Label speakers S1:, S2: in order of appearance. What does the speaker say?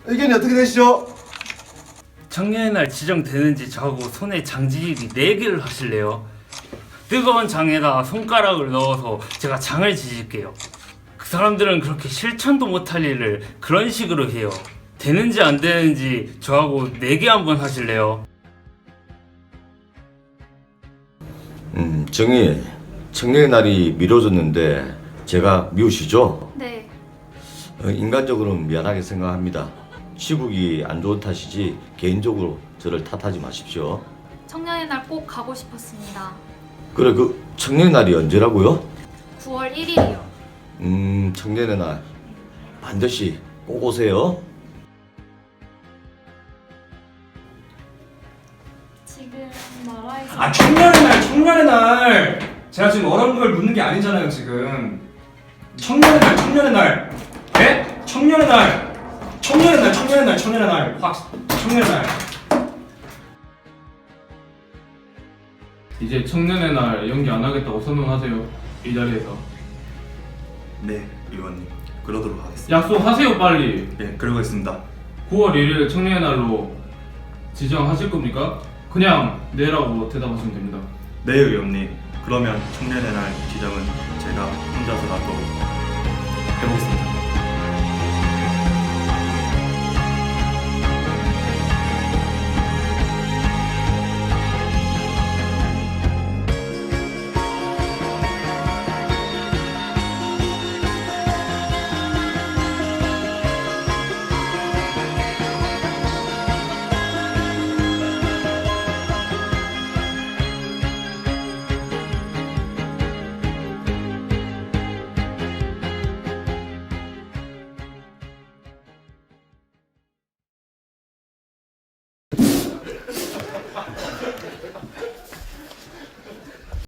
S1: 의견이 어떻게 되시죠?
S2: 청년의 날 지정되는지 저하고 손에 장지기 4개를 하실래요? 뜨거운 장에다 손가락을 넣어서 제가 장을 지질게요. 그 사람들은 그렇게 실천도 못할 일을 그런 식으로 해요. 되는지 안 되는지 저하고 4개 한번 하실래요?
S1: 정희, 청년의 날이 미뤄졌는데 제가 미우시죠?
S3: 네.
S1: 인간적으로는 미안하게 생각합니다. 시국이 안 좋은 탓이지 개인적으로 저를 탓하지 마십시오.
S3: 청년의 날 꼭 가고 싶었습니다.
S1: 그래, 그 청년의 날이 언제라고요?
S3: 9월 1일이요.
S1: 청년의 날 반드시 꼭 오세요.
S3: 지금 나라에서
S4: 아, 청년의 날. 제가 지금 어려운 걸 묻는 게 아니잖아요, 지금. 청년의 날. 예? 청년의 날. 확. 청년의 날.
S5: 이제 청년의 날 연기 안 하겠다고 선언하세요. 이 자리에서.
S6: 네, 의원님. 그러도록 하겠습니다.
S5: 약속하세요, 빨리.
S6: 네, 그러겠습니다.
S5: 9월 1일 청년의 날로 지정하실 겁니까? 그냥 네라고 대답하시면 됩니다.
S6: 네, 의원님. 그러면 청년의 날 지정은 제가 혼자서라도 해보겠습니다.